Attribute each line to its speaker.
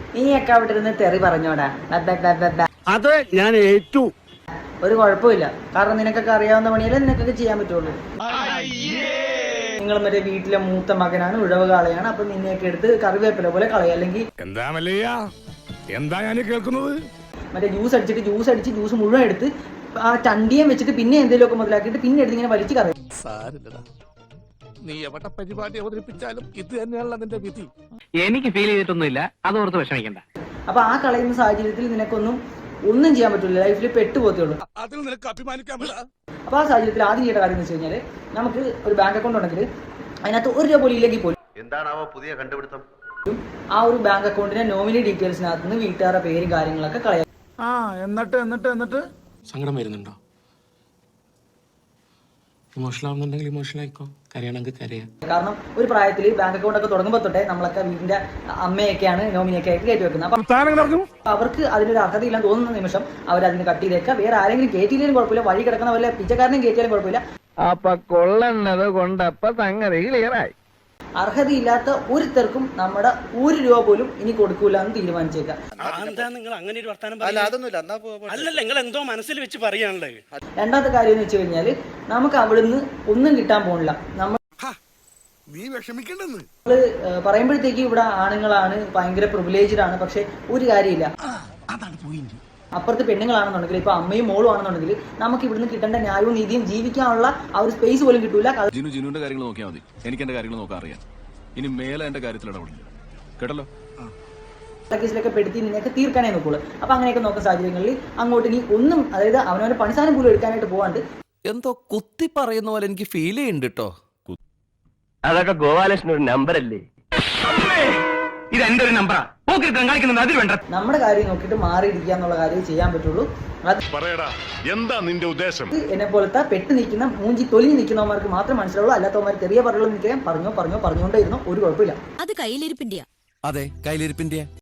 Speaker 1: നീയൊക്കെ അവിടെ ഇരുന്ന് തെറി പറഞ്ഞോടാ.
Speaker 2: അത് ഞാൻ ഏറ്റു.
Speaker 1: ഒരു കുഴപ്പമില്ല, കാരണം നിനക്കൊക്കെ അറിയാവുന്ന പണിയല്ലേ നിനക്കൊക്കെ ചെയ്യാൻ പറ്റുള്ളൂ. നിങ്ങൾ മറ്റേ വീട്ടിലെ മൂത്ത മകനാണ്, ഉഴവ് കാളയാണ്, അപ്പൊ നിന്നെയൊക്കെ എടുത്ത് കറിവേപ്പില പോലെ കളയും. അല്ലെങ്കിൽ
Speaker 2: എന്താ ഞാൻ കേൾക്കുന്നത്?
Speaker 1: മറ്റേ ജ്യൂസ് മുഴുവൻ എടുത്ത് ആ ചണ്ടിയം വെച്ചിട്ട് പിന്നെ എന്തെങ്കിലുമൊക്കെ മുതലാക്കിയിട്ട് പിന്നെ എടുത്ത് ഇങ്ങനെ വലിച്ചു കളയും.
Speaker 2: നീ എവിടെ പരിപാടി അവതരിപ്പിച്ചാലും ഇത് തന്നെയാണല്ലോ അതിന്റെ വിധി.
Speaker 3: എനിക്ക് ഫീൽ ചെയ്തിട്ടൊന്നുമില്ല, അതോർത്ത് വിഷമിക്കണ്ട.
Speaker 1: അപ്പൊ ആ കളയുന്ന സാഹചര്യത്തിൽ ഒന്നും ചെയ്യാൻ പറ്റില്ല, ലൈഫിൽ പെട്ടുപോകത്തുള്ളൂ.
Speaker 2: അതിൽ നിനക്ക് അഭിമാനിക്കാൻ.
Speaker 1: അപ്പൊ ആ സാഹചര്യത്തിൽ ആദ്യം ചെയ്യേണ്ട കാര്യം എന്ന് വെച്ച് കഴിഞ്ഞാൽ, നമുക്ക് ഒരു ബാങ്ക് അക്കൗണ്ട് ഉണ്ടെങ്കിൽ അതിനകത്ത് 1 രൂപ പോലും ഇല്ലെങ്കിൽ പോലും
Speaker 4: എന്താണാവോ പുതിയ കണ്ടുപിടുത്തം,
Speaker 1: ആ ഒരു ബാങ്ക് അക്കൗണ്ടിന്റെ നോമിനി ഡീറ്റെയിൽസിനകത്ത് നിന്ന് വീട്ടുകാരുടെ പേരും കാര്യങ്ങളൊക്കെ കളയാം.
Speaker 2: എന്നിട്ട്
Speaker 5: സങ്കടം വരുന്നുണ്ടോ? ഇമോഷണൽ ആവുന്നുണ്ടെങ്കിൽ ഇമോഷണൽ ആയിക്കോ, കരയണമെങ്കിൽ കരയാം.
Speaker 1: കാരണം ഒരു പ്രായത്തിൽ ബാങ്ക് അക്കൗണ്ട് ഒക്കെ തുടങ്ങുമ്പോൾ തൊട്ടേ നമ്മളൊക്കെ വീടിന്റെ അമ്മയൊക്കെയാണ് നോമിനിയൊക്കെ ആയിട്ട് കയറ്റി വെക്കുന്നത്. അപ്പൊ അവർക്ക് അതിനൊരു അർഹതയില്ലെന്ന് തോന്നുന്ന നിമിഷം അവർ അതിന് കട്ട് ചെയ്തേക്കുക. വേറെ ആരെങ്കിലും കയറ്റിയില്ലെങ്കിലും കുഴപ്പമില്ല, വഴി കിടക്കുന്ന വല്ല പിച്ചക്കാരനെയും കയറ്റിയാലും കുഴപ്പമില്ല.
Speaker 3: അപ്പൊ കൊള്ളണത് കൊണ്ടപ്പ സംഗതി ക്ലിയറായി.
Speaker 1: അർഹതയില്ലാത്ത ഒരുത്തർക്കും നമ്മുടെ 1 രൂപ പോലും ഇനി കൊടുക്കൂല എന്ന് തീരുമാനിച്ചേക്കാം.
Speaker 6: നിങ്ങൾ അങ്ങനെ ഒരു വർത്താനം അല്ലല്ല, നിങ്ങൾ എന്തോ മനസ്സിൽ വെച്ച് പറയാനുള്ളത്.
Speaker 1: രണ്ടാമത്തെ കാര്യം എന്ന് വെച്ച് കഴിഞ്ഞാല്, നമുക്ക് അവിടുന്ന് ഒന്നും കിട്ടാൻ പോണില്ല. നമ്മള് പറയുമ്പോഴത്തേക്ക് ഇവിടെ ആണുങ്ങളാണ്, ഭയങ്കര പ്രിവിലേജ്ഡ് ആണ്. പക്ഷെ ഒരു കാര്യമില്ല, അപ്പുറത്ത് പെണ്ണുങ്ങളാണെന്നുണ്ടെങ്കിൽ, ഇപ്പൊ അമ്മയും മോളും ആണെന്നുണ്ടെങ്കിൽ നമുക്ക് ഇവിടുന്ന് കിട്ടേണ്ട ന്യായവും നീതിയും ജീവിക്കാനുള്ള ആ ഒരു സ്പേസ് പോലും കിട്ടൂല.
Speaker 7: ജിനുവിന്റെ കാര്യങ്ങൾ നോക്കിയാൽ മതി, എനിക്ക് എന്റെ കാര്യങ്ങൾ നോക്കാൻ അറിയാം. ഇനി മേലെ എന്റെ കാര്യത്തിൽ ഇടപെടില്ല, കേട്ടല്ലോ.
Speaker 1: കേസിലൊക്കെ പെടുത്തി നിന്നെയൊക്കെ തീർക്കാനേ നോക്കുള്ളൂ. അപ്പൊ അങ്ങനെയൊക്കെ നോക്കുന്ന സാഹചര്യങ്ങളിൽ അങ്ങോട്ട് ഇനി ഒന്നും, അതായത് അവനവന്റെ പണിസാധനം പോലും എടുക്കാനായിട്ട് പോകാണ്ട്
Speaker 8: എന്തോ കുത്തി പറയുന്ന പോലെ എനിക്ക് ഫീൽ ചെയ്യുന്നുണ്ട് കേട്ടോ.
Speaker 3: അതൊക്കെ ഗോപാലകൃഷ്ണൻ ഒരു നമ്പർ അല്ലേ? ഇത് എന്റെ ഒരു നമ്പറാ.
Speaker 1: നമ്മുടെ കാര്യം നോക്കിയിട്ട് മാറിയിരിക്കുക എന്നുള്ള കാര്യം ചെയ്യാൻ പറ്റുള്ളൂ.
Speaker 2: എന്താ നിന്റെ ഉദ്ദേശം?
Speaker 1: എന്നെ പോലത്തെ പെട്ട് നിൽക്കുന്ന മൂഞ്ചി തൊലിഞ്ഞ് നിൽക്കുന്നവന്മാർക്ക് മാത്രം മനസ്സിലാവുള്ളൂ. അല്ലാത്തവന്മാർ ചെറിയ പറയുള്ളൂ. നിൽക്കാൻ പറഞ്ഞോണ്ടേയിരുന്നു, ഒരു കുഴപ്പമില്ല.
Speaker 9: അത് കയ്യിലിരിപ്പിന്റെയാ.
Speaker 8: അതെ, കയ്യിലിരിപ്പിന്റെ